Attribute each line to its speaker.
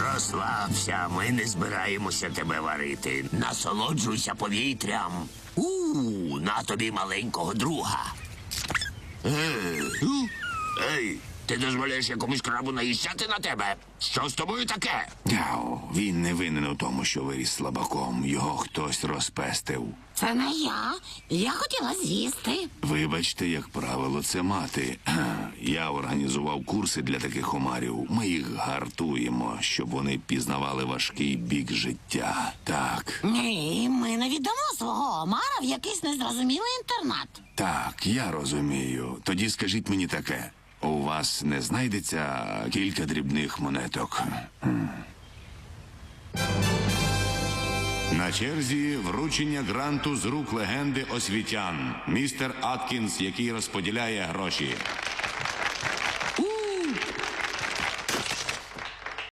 Speaker 1: Розслабся, ми не збираємося тебе варити. Насолоджуйся повітрям. На тобі маленького друга. Ей, ти дозволяєш якомусь крабу наїжджати на тебе? Що з тобою таке?
Speaker 2: Він не винен у тому, що виріс слабаком. Його хтось розпестив.
Speaker 3: Це не я. Я хотіла з'їсти.
Speaker 2: Вибачте, як правило, це мати. Я організував курси для таких омарів. Ми їх гартуємо, щоб вони пізнавали важкий бік життя. Так.
Speaker 3: Ні, ми не віддамо свого омара в якийсь незрозумілий інтернат.
Speaker 2: Так, я розумію. Тоді скажіть мені таке. У вас не знайдеться кілька дрібних монеток? На черзі вручення гранту з рук легенди освітян. Містер Аткінс, який розподіляє гроші.